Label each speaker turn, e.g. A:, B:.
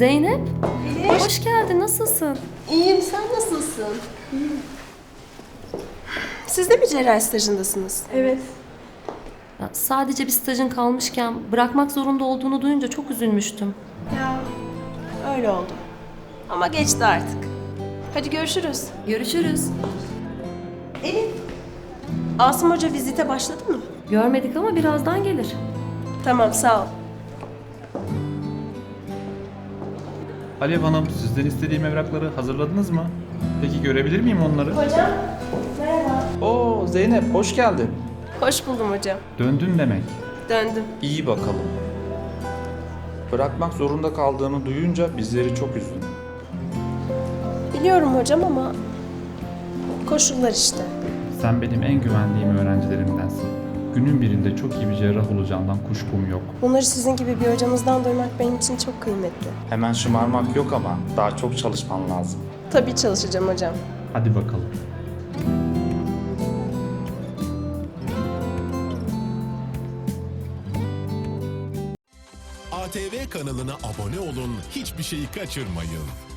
A: Zeynep, hoş geldin. Nasılsın?
B: İyiyim, sen nasılsın? Siz de mi cerrahi stajındasınız?
C: Evet.
A: Ya, sadece bir stajın kalmışken bırakmak zorunda olduğunu duyunca çok üzülmüştüm.
B: Ya öyle oldu. Ama geçti artık. Hadi görüşürüz.
A: Görüşürüz.
B: Elif, Asım Hoca vizite başladı mı?
A: Görmedik ama birazdan gelir.
B: Tamam, sağ ol.
D: Alev Hanım, sizden istediğim evrakları hazırladınız mı? Peki görebilir miyim onları?
B: Hocam, merhaba.
E: Oo Zeynep, hoş geldin.
B: Hoş buldum hocam.
D: Döndün demek.
B: Döndüm.
E: İyi bakalım. Bırakmak zorunda kaldığını duyunca bizleri çok üzdün.
B: Biliyorum hocam ama koşullar işte.
D: Sen benim en güvendiğim öğrencilerimdensin. Günün birinde çok iyi bir cerrah olacağından kuşkum yok.
B: Bunları sizin gibi bir hocamızdan duymak benim için çok kıymetli.
E: Hemen şımarmak yok ama daha çok çalışman lazım.
B: Tabii çalışacağım hocam.
D: Hadi bakalım.
F: ATV kanalına abone olun, hiçbir şeyi kaçırmayın.